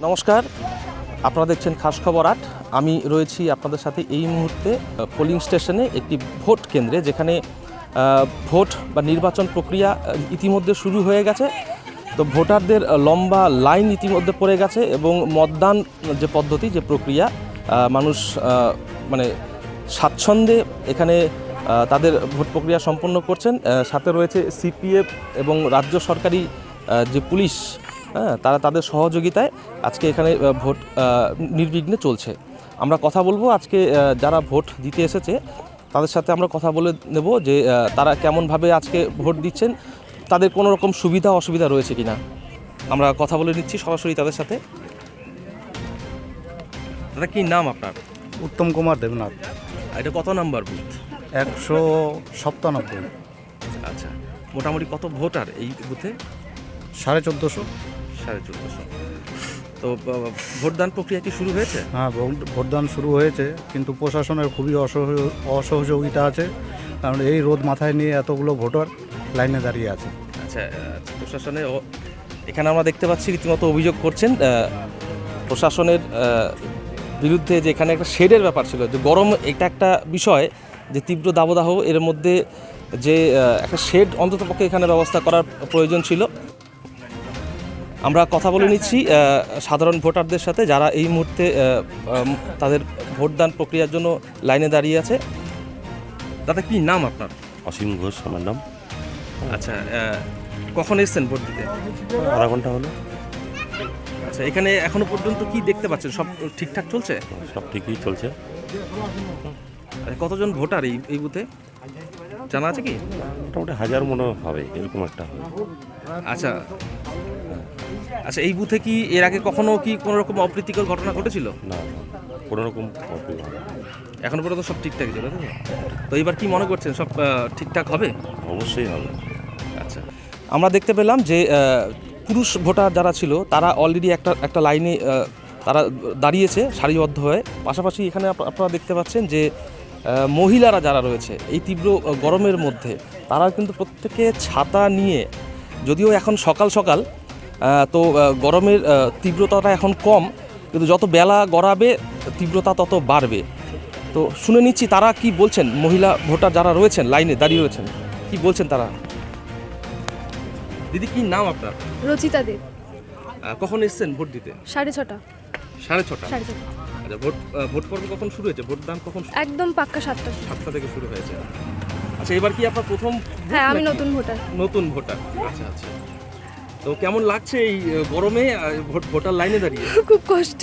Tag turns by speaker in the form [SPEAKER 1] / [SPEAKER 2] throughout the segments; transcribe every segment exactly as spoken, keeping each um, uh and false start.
[SPEAKER 1] নমস্কার, আপনারা দেখছেন খাস খবর আট। আমি রয়েছি আপনাদের সাথে এই মুহূর্তে পোলিং স্টেশনে, একটি ভোট কেন্দ্রে, যেখানে ভোট বা নির্বাচন প্রক্রিয়া ইতিমধ্যে শুরু হয়ে গেছে। তো ভোটারদের লম্বা লাইন ইতিমধ্যে পড়ে গেছে এবং মতদান যে পদ্ধতি, যে প্রক্রিয়া, মানুষ মানে স্বাচ্ছন্দ্যে এখানে তাদের ভোট প্রক্রিয়া সম্পন্ন করছেন। সাথে রয়েছে সিপিএফ এবং রাজ্য সরকারি যে পুলিশ, হ্যাঁ, তারা তাদের সহযোগিতায় আজকে এখানে ভোট নির্বিঘ্নে চলছে। আমরা কথা বলবো আজকে যারা ভোট দিতে এসেছে তাদের সাথে আমরা কথা বলে নেব যে তারা কেমনভাবে আজকে ভোট দিচ্ছেন, তাদের কোনো রকম সুবিধা অসুবিধা রয়েছে কিনা। আমরা কথা বলে নিচ্ছি সরাসরি তাদের সাথে। দাদা, কি নাম আপনার?
[SPEAKER 2] উত্তম কুমার দেবনাথ।
[SPEAKER 1] এটা কত নাম্বার বুথ?
[SPEAKER 2] একশো সপ্তানব্বই।
[SPEAKER 1] আচ্ছা, মোটামুটি কত ভোটার এই বুথে?
[SPEAKER 2] সাড়ে চোদ্দোশো।
[SPEAKER 1] সাড়ে চোদ্দোশো। তো ভোটদান প্রক্রিয়া কি শুরু হয়েছে?
[SPEAKER 2] হ্যাঁ, ভোটদান শুরু হয়েছে, কিন্তু প্রশাসনের খুবই অসহযোগিতা আছে, কারণ এই রোদ মাথায় নিয়ে এতগুলো ভোটার লাইনে দাঁড়িয়ে আছে।
[SPEAKER 1] আচ্ছা, প্রশাসনের এখানে আমরা দেখতে পাচ্ছি রীতিমতো অভিযোগ করছেন প্রশাসনের বিরুদ্ধে, যে এখানে একটা শেডের ব্যাপার ছিল, যে গরম এটা একটা বিষয়, যে তীব্র দাবদাহ, এর মধ্যে যে একটা শেড অন্ততপক্ষে এখানে ব্যবস্থা করার প্রয়োজন ছিল। আমরা কথা বলে নিচ্ছি সাধারণ ভোটারদের সাথে, যারা এই মুহূর্তে তাদের ভোটদান প্রক্রিয়ার জন্য লাইনে দাঁড়িয়ে আছে। দাদা, কি নাম আপনার?
[SPEAKER 3] অসীম ঘোষ আমার নাম।
[SPEAKER 1] আচ্ছা, কখন এসেছেন ভোট দিতে?
[SPEAKER 3] আধা ঘন্টা হলো।
[SPEAKER 1] আচ্ছা, এখানে এখনো পর্যন্ত কি দেখতে পাচ্ছেন? সব ঠিকঠাক চলছে?
[SPEAKER 3] সব ঠিকই চলছে।
[SPEAKER 1] কতজন ভোটার এই এই বুথে জানা আছে কি?
[SPEAKER 3] মোটামুটি হাজার মনে হবে, এরকম একটা হবে।
[SPEAKER 1] আচ্ছা আচ্ছা এই বুথে কি এর আগে কখনো কি কোনো রকম অপ্রীতিকর ঘটনা ঘটেছিল?
[SPEAKER 3] না, কোনো রকম।
[SPEAKER 1] এখন পর্যন্ত সব ঠিকঠাক ছিল। তো এবার কি মনে করছেন, সব ঠিকঠাক হবে?
[SPEAKER 3] অবশ্যই হবে।
[SPEAKER 1] আচ্ছা, আমরা দেখতে পেলাম যে পুরুষ ভোটার যারা ছিল তারা অলরেডি একটা একটা লাইনে তারা দাঁড়িয়েছে সারিবদ্ধ হয়ে। পাশাপাশি এখানে আপনারা দেখতে পাচ্ছেন যে মহিলারা যারা রয়েছে এই তীব্র গরমের মধ্যে, তারা কিন্তু প্রত্যেকে ছাতা নিয়ে, যদিও এখন সকাল সকাল, তো গরমের তীব্রতাটা এখন কম, কিন্তু যত বেলা গড়াবে তীব্রতা তত বাড়বে। তো শুনে নিচ্ছি তারা কি বলছেন, মহিলা ভোটার যারা রয়েছেন লাইনে দাঁড়িয়ে রয়েছেন, কি বলছেন তারা। দিদি, কি নাম আপনার?
[SPEAKER 4] রচিতা দেব।
[SPEAKER 1] কখন এসেছেন ভোট দিতে?
[SPEAKER 4] সাড়ে ছটা।
[SPEAKER 1] সাড়ে ছটা
[SPEAKER 4] সাড়ে ছটা।
[SPEAKER 1] আচ্ছা, ভোট ভোট পর্ব কখন শুরু হয়েছে? ভোটদান কখন?
[SPEAKER 4] একদম পাক্কা সাতটা।
[SPEAKER 1] সাতটা থেকে শুরু হয়েছে। আচ্ছা, এবার কি আপনার প্রথম?
[SPEAKER 4] হ্যাঁ, আমি নতুন ভোটার।
[SPEAKER 1] নতুন ভোটার। আচ্ছা আচ্ছা। তো কেমন লাগছে এই গরমে ভোট ভোটার লাইনে দাঁড়িয়ে?
[SPEAKER 4] খুব কষ্ট।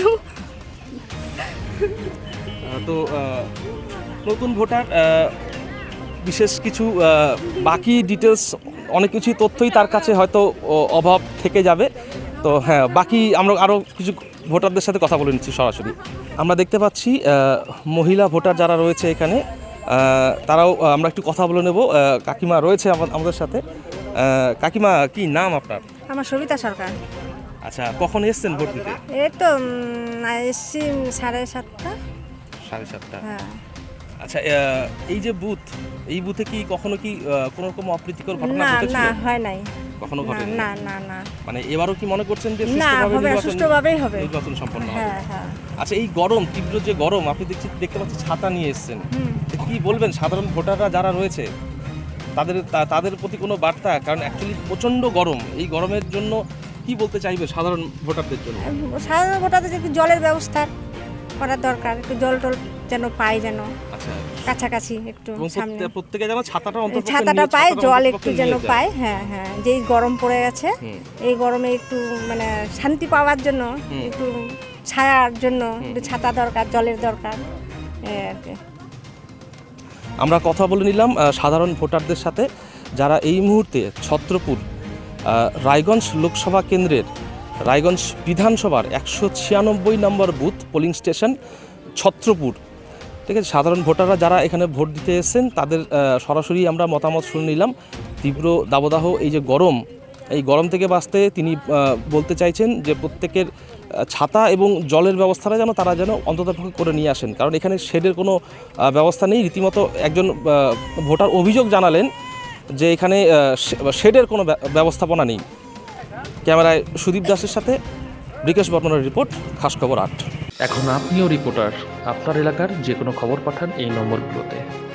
[SPEAKER 1] তো নতুন ভোটার, বিশেষ কিছু বাকি ডিটেলস, অনেক কিছু তথ্যই তার কাছে হয়তো অভাব থেকে যাবে। তো হ্যাঁ, বাকি আমরা আরও কিছু ভোটারদের সাথে কথা বলে নিচ্ছি সরাসরি। আমরা দেখতে পাচ্ছি মহিলা ভোটার যারা রয়েছে এখানে, তারাও আমরা একটু কথা বলে নেব। কাকিমা রয়েছে আমাদের সাথে। কাকিমা, কি নাম আপনার?
[SPEAKER 5] আমার সবিতা সরকার।
[SPEAKER 1] আচ্ছা, কখন এসছেন ভোট দিতে?
[SPEAKER 5] এই তো এসছি সাড়ে সাতটা।
[SPEAKER 1] সাড়ে সাতটা।
[SPEAKER 5] হ্যাঁ।
[SPEAKER 1] আচ্ছা, এই যে বুথ, এই বুথে কি কখনো কি কোনো রকম অপ্রীতিকর ঘটনা
[SPEAKER 5] না
[SPEAKER 1] ঘটেছিল?
[SPEAKER 5] না, হয় নাই।
[SPEAKER 1] কখনো ঘটেনি?
[SPEAKER 5] না না না।
[SPEAKER 1] মানে এবারও কি মনে করছেন যে
[SPEAKER 5] না, হবে, সুষ্ঠুভাবেই হবে,
[SPEAKER 1] নির্বাচন সম্পন্ন হবে?
[SPEAKER 5] হ্যাঁ হ্যাঁ।
[SPEAKER 1] আচ্ছা, এই গরম, তীব্র যে গরম, আপনি দেখছি দেখতে পাচ্ছি ছাতা নিয়ে এসেছেন, কি বলবেন সাধারণ ভোটাররা যারা রয়েছে তাদের তাদের প্রতি কোনো বার্তা? কারণ অ্যাকচুয়ালি প্রচণ্ড গরম, এই গরমের জন্য কি বলতে চাইবে সাধারণ ভোটারদের জন্য?
[SPEAKER 5] সাধারণ ভোটারদের একটু জলের ব্যবস্থা করার দরকার, একটু জল টল যেন পাই, যেন
[SPEAKER 1] আচ্ছা
[SPEAKER 5] কাছাকাছি একটু সামনে
[SPEAKER 1] প্রত্যেকে যেন ছাতাটা অন্তত
[SPEAKER 5] ছাতাটা পায়, জল একটু যেন পায়। হ্যাঁ হ্যাঁ, যেই গরম পড়ে গেছে, এই গরমে একটু মানে শান্তি পাওয়ার জন্য, একটু ছায়ার জন্য একটু ছাতা দরকার, জলের দরকার আর কি।
[SPEAKER 1] আমরা কথা বলে নিলাম সাধারণ ভোটারদের সাথে, যারা এই মুহূর্তে ছত্রপুর রায়গঞ্জ লোকসভা কেন্দ্রের রায়গঞ্জ বিধানসভার একশো ছিয়ানব্বই নম্বর বুথ পোলিং স্টেশন ছত্রপুর, ঠিক আছে। সাধারণ ভোটাররা যারা এখানে ভোট দিতে এসেছেন তাদের সরাসরি আমরা মতামত শুনে নিলাম। তীব্র দাবদাহ, এই যে গরম, এই গরম থেকে বাঁচতে তিনি বলতে চাইছেন যে প্রত্যেকের ছাতা এবং জলের ব্যবস্থাটা যেন তারা যেন অন্ততপক্ষে করে নিয়ে আসেন, কারণ এখানে শেডের কোনো ব্যবস্থা নেই। রীতিমতো একজন ভোটার অভিযোগ জানালেন যে এখানে শেডের কোনো ব্যবস্থাপনা নেই। ক্যামেরায় সুদীপ দাসের সাথে ব্রিকেশ বর্মনের রিপোর্ট, খাস খবর আট। এখন আপনিও রিপোর্টার, আপনার এলাকার যে কোনো খবর পাঠান এই নম্বরগুলোতে।